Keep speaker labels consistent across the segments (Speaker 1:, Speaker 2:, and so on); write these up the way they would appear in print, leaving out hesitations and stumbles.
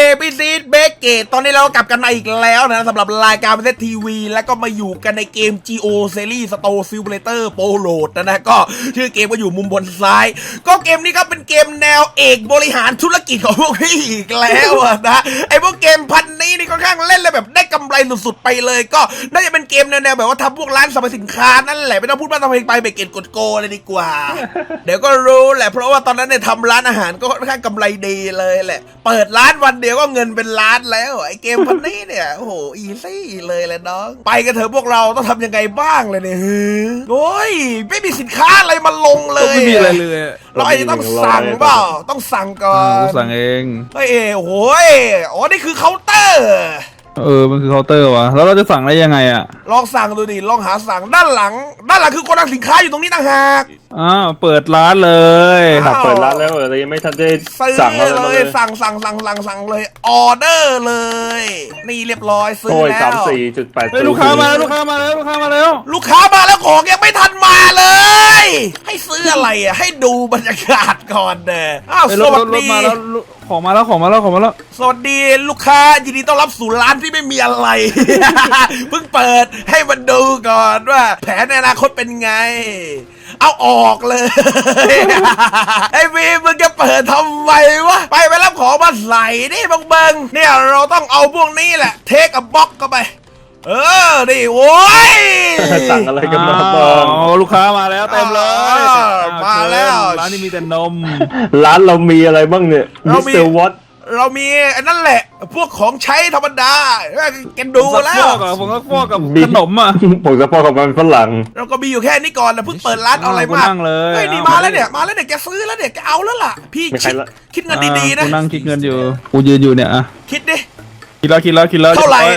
Speaker 1: พี่ซีดเบเกตตอนนี้เรากลับกันมาอีกแล้วนะสำหรับรายการประเทศทีวีแล้วก็มาอยู่กันในเกม GO Series Store Simulator Pro Load นะก็ชื่อเกมก็อยู่มุมบนซ้ายก็เกมนี้ก็เป็นเกมแนวเอกบริหารธุรกิจของพวกพี่อีกแล้วนะไอพวกเกมพันนี้นี่ค่อนข้างเล่นเลยแบบได้กำไรสุดๆไปเลยก็น่าจะเป็นเกมแนวแบบว่าทำพวกร้านสรรพสินค้านั่นแหละไม่ต้องพูดมากทำเพลงไปเบเกตกดโกเลยดีกว่า เดี๋ยวก็รู้แหละเพราะว่าตอนนั้นเนี่ยทำร้านอาหารก็ค่อนข้างกำไรดีเลยแหละเปิดร้านวันเดียวก็เงินเป็นล้านแล้วไอเกมพันนี้เนี่ยโอ้โหอีซี่เลยแหละน้องไปกันเถอะพวกเราต้องทำยังไงบ้างเลยเนี่ยโอ้ยไม่มีสินค้าอะไรมาลงเลย
Speaker 2: ไม่มีอะไรเลย
Speaker 1: เราอาจจะต้องสั่งเปล่าต้องสั่งก่อน
Speaker 2: สั่งเอง
Speaker 1: เฮ้ยโอ้โหอ๋อนี่คือเคาน์เตอร์
Speaker 2: มันคือเคาน์เตอร์วะแล้วเราจะสั่งได้ยังไงอ่ะ
Speaker 1: ลองสั่งดูดิลองหาสั่งด้านหลังคือโกดังสินค้าอยู่ตรงนี้ต่างหาก
Speaker 2: เปิดร้านเลย
Speaker 3: เปิดร้านแล้วแต่ยังไม่ทันได้สั่ง
Speaker 1: เลยสั่งเลยออเดอร์เลยนี่เรียบร้อยซื้อแล้ว
Speaker 3: 34.8
Speaker 2: ลูกค้ามาแล้วลูกค้ามาแล้ว
Speaker 1: ของยังไม่ทันมาเลยให้ซื้ออะไรอ่ะให้ดูบรรยากาศก่อนเด้อสวัสดี
Speaker 2: ของมาแล้ว
Speaker 1: สวัสดีลูกค้ายินดีต้อนรับสู่ร้านที่ไม่มีอะไร เพิ่งเปิดให้มันดูก่อนว่าแผนในอนาคตเป็นไงเอาออกเลย ไอ้วีมึงจะเปิดทำไมวะไปรับของมาใส่นี่เบิ่งเนี่ยเราต้องเอาพวกนี้แหละเทคกับบล็อกเข้าไปดิโว้ย
Speaker 3: สั่งอะไรกันมาบ้าง
Speaker 2: ลูกค้ามาแล้วเต็มเลย
Speaker 1: มาแล้ว
Speaker 2: ร้านนี้มีแต่นม
Speaker 3: ร้านเรามีอะไรบ้างเนี่ยมิสเตอร์วอต
Speaker 1: เรามีนั่นแหละพวกของใช้ธรรมดาแกดูแล้ว
Speaker 2: ผมก็พวกกับขนม
Speaker 3: ผมจะพอกับมันฝรั่ง
Speaker 1: เราก็มีอยู่แค่นี้ก่อนนะเพิ่งเปิดร้านเอาอะไรมากเฮ้ยนี่มาแล้วเนี่ยแกซื้อแล้วเนี่ยแกเอาแล้วล่ะพี่คิดเงินดีๆนะ
Speaker 2: นั่งคิดเงินอยู่กูยืนอยู่เนี่ย
Speaker 1: คิดดิ
Speaker 2: คิดแล้ว
Speaker 1: เท่าไหร่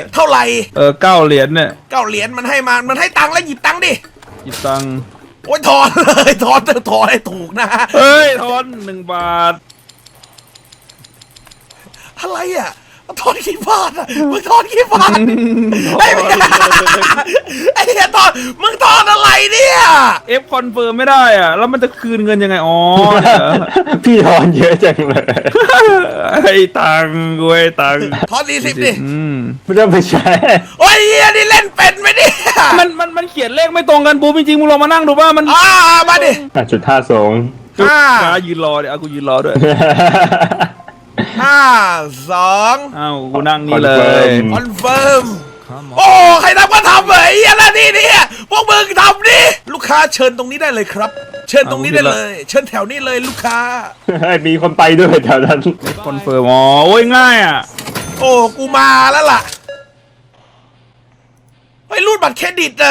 Speaker 2: 9 เหรียญเนี่ย
Speaker 1: 9 เหรียญมันให้ตังค์แล้วหยิบตังค์ดิ
Speaker 2: หยิบตังค์
Speaker 1: โอ้ยถอนเลยถอนให้ถูกนะ
Speaker 2: เฮ้ยถอน1 บาท
Speaker 1: อะไรอ่ะถอนกี่บาทอ่ะมึงถอนกี่บาทไอ้เนี่ยถอนมึงถอนอะไรเนี่ย
Speaker 2: คอนเฟิร์มไม่ได้อ่ะแล้วมันจะคืนเงินยังไง
Speaker 3: พี่ถอนเยอะจังเลย
Speaker 2: ให้ตังค์กูให้ตังค์
Speaker 1: ถอน40ดิ
Speaker 3: ไม่ต้องไปใช้
Speaker 1: โอ้ยนี่เล่นเป็นไหมเนี่ย
Speaker 2: มันเขียนเลขไม่ตรงกันบูจริงๆมึงลองมานั่งดูป่ะมัน
Speaker 1: มาดิ
Speaker 3: 5.52
Speaker 2: ยืนรอเดี๋ยวกูยืนรอด้วย
Speaker 1: 5 2
Speaker 2: กูนั่งนี่เลย
Speaker 1: คอนเฟิร์มโอ้ใครทำก็ทำเหรอไอ้ยันนี่พวกมึงทำดิลูกค้าเชิญตรงนี้ได้เลยครับเชิญตรงนี้ได้เลยเชิญแถวนี้เลยลูกค้า
Speaker 3: มีคนไปด้วยแถวนั้น
Speaker 2: คอนเฟิร์มโอ้ยง่ายอ่ะ
Speaker 1: โอ้กูมาแล้วล่ะเฮ้ยรูดบัตรเครดิต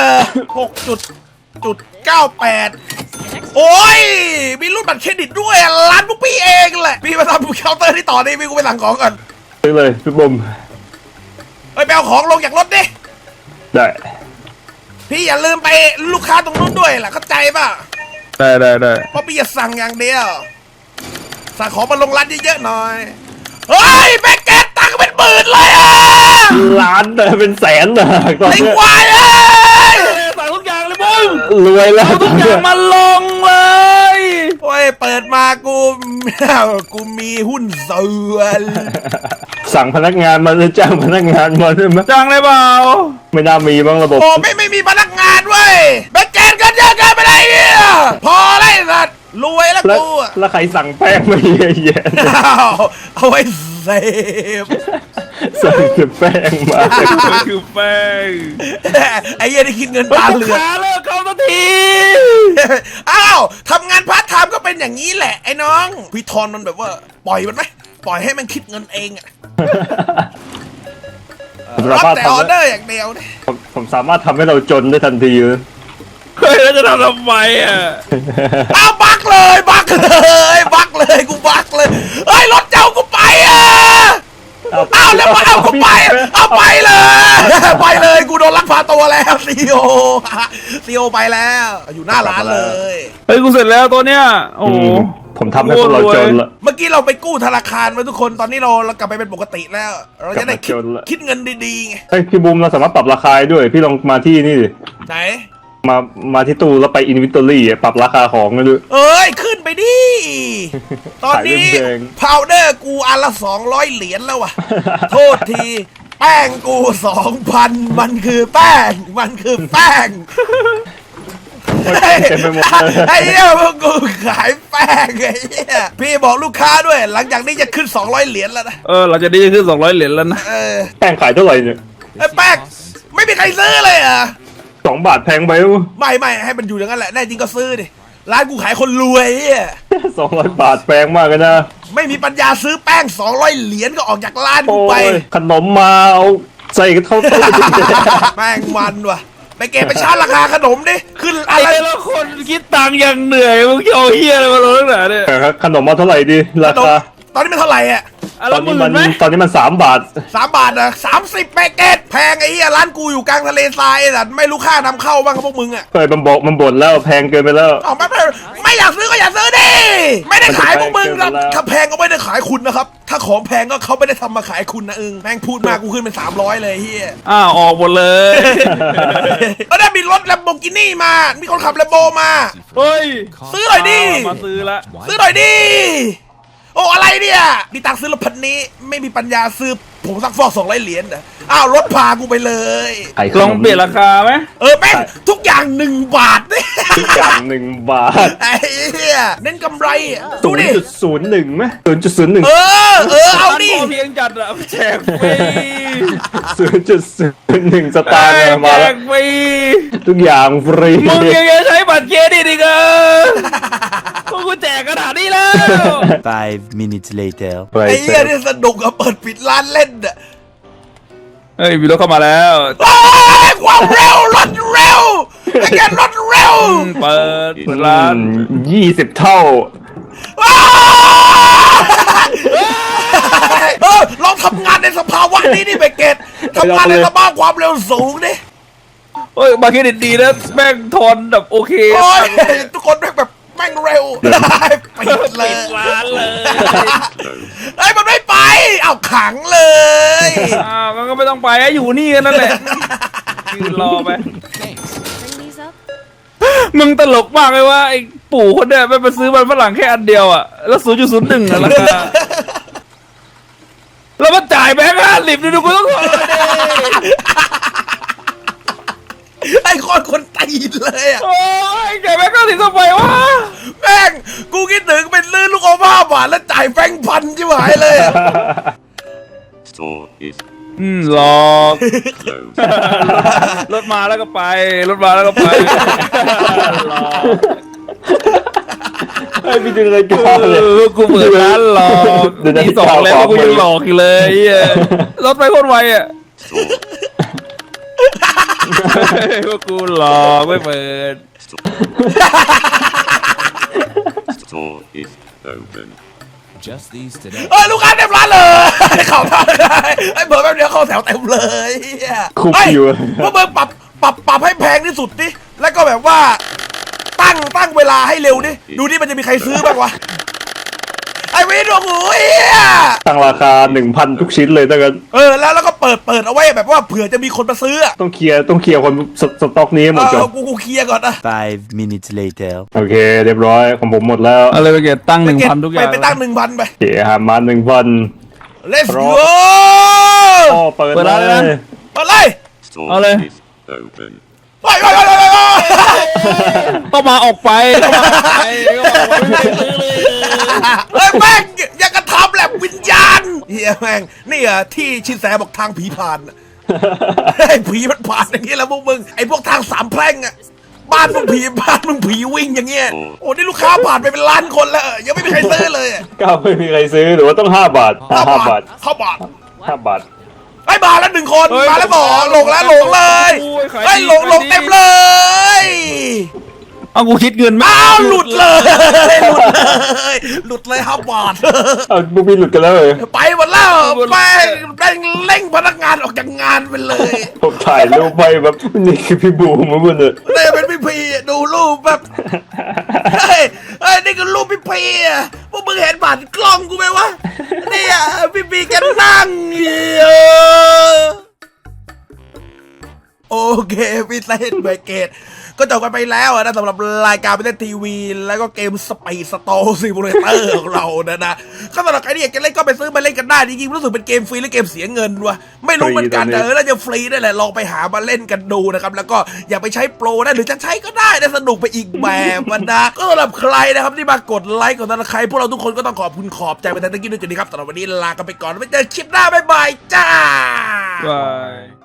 Speaker 1: 6.98โอ้ยมีรูดบัตรเครดิตด้วยร้านพวกพี่เองแหละพี่มาทำเคาน์เตอร์ที่ต่อนี่พี่กูไปสั่งของก่อน
Speaker 3: ซื้อเลยพี่บุ๋ม
Speaker 1: ไปเอาของลงจากรถดิ
Speaker 3: ได้
Speaker 1: พี่อย่าลืมไปลูกค้าตรงนู้นด้วยล่ะเข้าใจป่ะ
Speaker 2: ได้
Speaker 1: เพราะพี่จะสั่งอย่างเดียวสั่งของมาลงร้านเยอะๆหน่อยเฮ้ยแบกเกตตังค์เป็น10,000เลย
Speaker 3: ล้านเป็นแสนนะ
Speaker 1: ไอ้ควาย
Speaker 2: สั่งทุกอย่างเลยบุ้ง
Speaker 3: รวยแล้ว
Speaker 2: ทุกอย่างมาลงเลย
Speaker 1: โอ้ยเปิดมากูมีหุ้นส่วน
Speaker 3: สั่งพนักงานมาหรือจ้างพนักงานมาใช่ไหม
Speaker 2: จ้างเลยเปล่า
Speaker 3: ไม่น่ามีบ้างระบบ
Speaker 1: โอ้ไม่มีพนักงานเว้ยแบกเกตกันเยอะเกินไปไหนเนี่ยพอเลยสัตว์รวยแล้วกู
Speaker 3: แล้วใครสั่งแป้งมาเยอะแยะ
Speaker 1: เอาไว้เซฟ
Speaker 3: สั่งแป้งมา
Speaker 2: คือแป้ง
Speaker 1: ไอ้เหี้ยได้คิดเงินตาเหลือก
Speaker 2: เลิกเข้าสักที
Speaker 1: ทำงานพาร์ทไทม์ก็เป็นอย่างนี้แหละไอ้น้องพี่ทอนมันแบบว่าปล่อยมันไหมปล่อยให้มันคิดเงินเองรับแต่ออเดอร์อย่างเดียวเนี่ย
Speaker 3: ผมสามารถทำให้เราจนได้ทันทีเลย
Speaker 2: เฮ้ยแล้วจะทำไม
Speaker 1: บักเลยกูบักเลยเฮ้ยรถเจ้ากูไปแล้วมาเอากูไปเลยกูโดนลักพาตัวแล้วซีโอไปแล้วอยู่หน้าร้านเลย
Speaker 2: เฮ้ยกูเสร็จแล้วตัวเนี้ยโอ้
Speaker 3: ผมทำให้พวกเราจนละ
Speaker 1: เมื่อกี้เราไปกู้ธนาคารมาทุกคนตอนนี้เรากลับไปเป็นปกติแล้วเราจะได้คิดเงินดีๆไง
Speaker 3: เฮ้ยพี่บูมเราสามารถปรับราคาด้วยพี่ลองมาที่นี่ดิ
Speaker 1: ไหน
Speaker 3: มาที่ตู้แล้วไปอินวินทอรี่ปรับราคาของกันด้วย
Speaker 1: เอ้ยขึ้นไปดิ ตอนนี้
Speaker 3: ขายเรื่องแดง
Speaker 1: พาวเดอร์กูอันละ200 เหรียญแล้วว่ะ โทษที แป้งกู 2,000 มันคือแป้ง มันคือแป้ง
Speaker 3: เต็มไปหมดเลย
Speaker 1: ไอ้เหี้ยพวกกูขายแป้งไอ้เหี้ยพี่บอกลูกค้าด้วย หลังจากนี้จะขึ้น200 เหรียญแล้วนะ
Speaker 2: เราจะได้ขึ้น200 เหรียญแล้วนะ
Speaker 3: แป้งขายเท่าไหร่เนี่ย
Speaker 1: ไอ้แป้งไม่มีใครซื้อเลยอ่ะ
Speaker 3: 2 บาทแพงไป
Speaker 1: ไม่ให้มันอยู่อย่างนั้นแหละแน่จริงก็ซื้อดิร้านกูขายคนรวยเหี้ย
Speaker 3: 200 บาทแพงมากเลยนะ
Speaker 1: ไม่มีปัญญาซื้อแป้ง200 เหรียญก็ออกจากร้านกู
Speaker 3: โอ้
Speaker 1: ไป
Speaker 3: ยขนมมาเอาใส่เข้าตู้
Speaker 1: แป้งมันว่ะไปเก็บไปชาร์จราคาขนมดิขึ้นอะไร
Speaker 2: ไอ้ละคนคิดตังค์อย่างเหนื่อยมึงจะเอาเฮียอะไรมาลงตั้งแต่เนี่ย
Speaker 3: ขนมมาเท่าไหร่ดี
Speaker 1: ข
Speaker 3: ราน
Speaker 1: ม
Speaker 3: คา
Speaker 1: ตอนนี้มันเท่าไหร่อ่ะ
Speaker 2: อะ
Speaker 3: ต
Speaker 2: แล้
Speaker 3: อ
Speaker 2: วน ห
Speaker 3: นี้
Speaker 2: มื่
Speaker 3: มัน
Speaker 2: นไหม
Speaker 3: 3 บาท
Speaker 1: 3 บาทนะ30 แปกเกตแพงไอ้เหี้ยร้านกูอยู่กลางทะเลทรายไอ้สัตว์ไม่รู้ค่านำเข้าบ้างกับพวกมึงอ่ะ
Speaker 3: เคยมันบ่นแล้วแพงเกินไปแล้ว
Speaker 1: เอาไม่อยากซื้อก็อย่าซื้อดิไม่ได้ขายพวกมึงครับถ้าแพงก็ไม่ได้ขายคุณนะครับถ้าของแพงก็เขาไม่ได้ทำมาขายคุณนะแม่งพูดมากกูขึ้นเป็น300เลยเฮีย
Speaker 2: ออกหมดเลย
Speaker 1: ก็ได้มีรถแลมโบกินี่มา มีคนขับแลมโบมา
Speaker 2: เฮ้ย
Speaker 1: ซื้อหน่อยดิ
Speaker 2: มาซื้อละ
Speaker 1: ซื้อหน่อยดิ โอ้อะไรเนี่ยมีตังค์ซื้อรถพันนี้ ไม่มีปัญญาซื้อผมซักฟอก200 เหรียญนะอ้าวรถพากูไปเลย
Speaker 3: ไข่ข
Speaker 2: ล
Speaker 3: น
Speaker 2: อง
Speaker 3: ม
Speaker 2: เปลี่ยนราคาไหม
Speaker 1: แม่งทุกอย่าง1 บาทเนี่ย
Speaker 3: ทุกอย่าง1 บาท
Speaker 1: ไอ้เหี้ยเน้นกำไรอะดูดิ
Speaker 3: 0.01ไหม0.01
Speaker 1: เอาดิ
Speaker 2: พอเพียงจัดอะแจกฟรี
Speaker 3: 0.01 สตางค์เนี่ยมา
Speaker 2: แจ
Speaker 3: แล้ว
Speaker 2: กฟรี
Speaker 3: ทุกอย่างฟรี
Speaker 2: มึงยังจะใช้บัตรเครดิตอีกเหรอพวกกูแจกขนาดนี้แล้ว
Speaker 4: 5 minutes later.
Speaker 1: ไอ้เหี้ยนี่สนุกอะเปิดปิดร้านเล่นอะ
Speaker 2: เฮ้ยมีรถเข้ามาแล้ว
Speaker 1: ความเร็วรถเร็วไอ้แกรถเร็ว
Speaker 2: เปิดร้าน
Speaker 3: 20 เท่า
Speaker 1: ลองทำงานในสภาวะนี้นี่เบเกตทำงานในสภาพความเร็วสูงดิ
Speaker 2: เฮ้ยบัตรเครดิตดีนะแม่งทอนแบบโอเค
Speaker 1: โอ้ยทุกคนแม่งแบบแม่งเร็วปิดเลย
Speaker 2: ปิดร้านเลย
Speaker 1: เฮ้ยมันไม่ไปเอาขังเลย
Speaker 2: งั้นก็ไม่ต้องไปอยู่นี่กันนั่นแหละยืนรอไป
Speaker 5: Bring these up.
Speaker 2: มึงตลกมากเลยว่าไอ้ปู่คนเนี้ยไปซื้อมันฝรั่งแค่อันเดียวอ่ะแล้ว0.01อ่ะราคาแล้วมันจ่ายแบงค์50ดูกูต้องขอเลยดิ
Speaker 1: ไอ้คนตีนเลยอะ
Speaker 2: โอ้ยจ่ายแบงค์50ทำไมวะ
Speaker 1: แม่งกูคิดถึงเป็นซื้อลูกอม5 บาทแล้วจ่ายแบงค์พันชิบหายเลยอะ
Speaker 6: Store is
Speaker 2: หลอก
Speaker 6: closed.
Speaker 2: รถมาแล้วก็ไปรถมาแล้วก็ไปหลอก
Speaker 3: ไอ้พี่ดูรายการเลย
Speaker 2: กูเปิดร้านหลอก
Speaker 3: เดี๋ยวนะ
Speaker 2: ที 2แล้วกูยังหลอกอยู่เลยเหี้ยรถไปโคตรไวอ่ะ
Speaker 6: Store,
Speaker 2: พวกกูหลอกไม่เปิด
Speaker 6: store is open.
Speaker 4: Just these today.
Speaker 1: ลูกค้าเต็มร้านเลยเข้ามาเลยไอ้เบอร์แป๊บเดียวเข้าแถวเต็มเลยเหี้ย
Speaker 3: คุก
Speaker 1: เฮ้ย
Speaker 3: อยู่
Speaker 1: พวกเบอร์ปรับให้แพงที่สุดดิแล้วก็แบบว่า ตั้งเวลาให้เร็วดิดูดิมันจะมีใครซื้อบ้างวะไอ้วินโอ้โหเหี้ย
Speaker 3: ตั้งราคา 1,000 ทุกชิ้นเลยถ้างั้น
Speaker 1: แล้วก็เปิดเอาไว้แบบว่าเผื่อจะมีคนมาซื้ออะ
Speaker 3: ต้องเคลียร์คนสต็อกนี้ให้หมดก่อน
Speaker 1: กูเคลียร์ก่อนนะ
Speaker 4: 5 minutes later.
Speaker 3: โอเค เรียบร้อยของผมหมดแล้ว
Speaker 2: อะไรไปเก็บตั้ง1,000ทุกอย่าง
Speaker 1: ไปตั้ง1,000ไป
Speaker 3: โอเคหามา 1,000
Speaker 1: let's
Speaker 3: รอ
Speaker 1: go
Speaker 3: พ่อเปิดเลย
Speaker 1: เปิดเลย
Speaker 6: Store
Speaker 2: Ole.
Speaker 6: is open.
Speaker 1: ไป
Speaker 2: ต้องมาออกไปต้องมาออกไปก็บอกว่าไม่ได้ซื้อเลย
Speaker 1: เฮ้ยแม่งอย่ากระทำแหละวิญญาณเฮียแม่งนี่อะที่ชินแสบอกทางผีผ่านอะไอ้ผีมันผ่านอย่างนี้แล้วพวกมึงไอ้พวกทางสามแพร่งอะบ้านมึงผีวิ่งอย่างเงี้ยโอ้นี่ลูกค้าผ่านไปเป็นล้านคนแล้วยังไม่มีใครซื้อเลยอะ
Speaker 3: ก้าวไม่มีใครซื้อหรือว่าต้อง5 บาท5 บาท
Speaker 1: เข้าบาท
Speaker 3: 5 บาท
Speaker 1: ไอ้มาแล้ว1 คนมาแล้ว2หลงแล้วเลย
Speaker 2: โอ้ยขาย
Speaker 1: ไอ้
Speaker 2: ดี
Speaker 1: หลง
Speaker 2: ขายดี
Speaker 1: เต็มเลย
Speaker 2: เอากูคิดเงินไหม
Speaker 1: อ้าวหลุดเลยหลุดเลย5 บาท
Speaker 3: เอาบุบีหลุดกันแล้วเลย
Speaker 1: ไปหมดแล้วไปเร่งพนักงานออกจากงานไปเลย
Speaker 3: ผมถ่ายรูปไปแบบนี่คือพี่บูมมันเลย
Speaker 1: นี่เป็นพี่พีดูรูปแบบเฮ้ยนี่คือรูปพี่พีอ่ะพวกมึงเห็นบัตรกล้องกูไหมวะเนี่ยพี่พีแกนั่งอยู่โอเคพี่เต้นเบเกตก็จบกันไปแล้วนะสำหรับรายการประเทศทีวีแล้วก็เกมสไปสโตซิมูเลเตอร์ของเรานะก็สำหรับใครที่อยากจะเล่นก็ไปซื้อมาเล่นกันได้จริงๆรู้สึกเป็นเกมฟรีหรือเกมเสียเงินวะไม่รู้เหมือนกันน่าจะฟรีได้แหละลองไปหามาเล่นกันดูนะครับแล้วก็อย่าไปใช้โปรนะหรือจะใช้ก็ได้นะสนุกไปอีกแบบนะก็สำหรับใครนะครับที่มากดไลค์กดซับสไครป์พวกเราทุกคนก็ต้องขอบคุณขอบใจไปทั้งที่ด้วยจุดนี้ครับสำหรับวันนี้ลากันไปก่อนไว้เจอคลิปหน้าบ๊ายบายจ้า
Speaker 2: บาย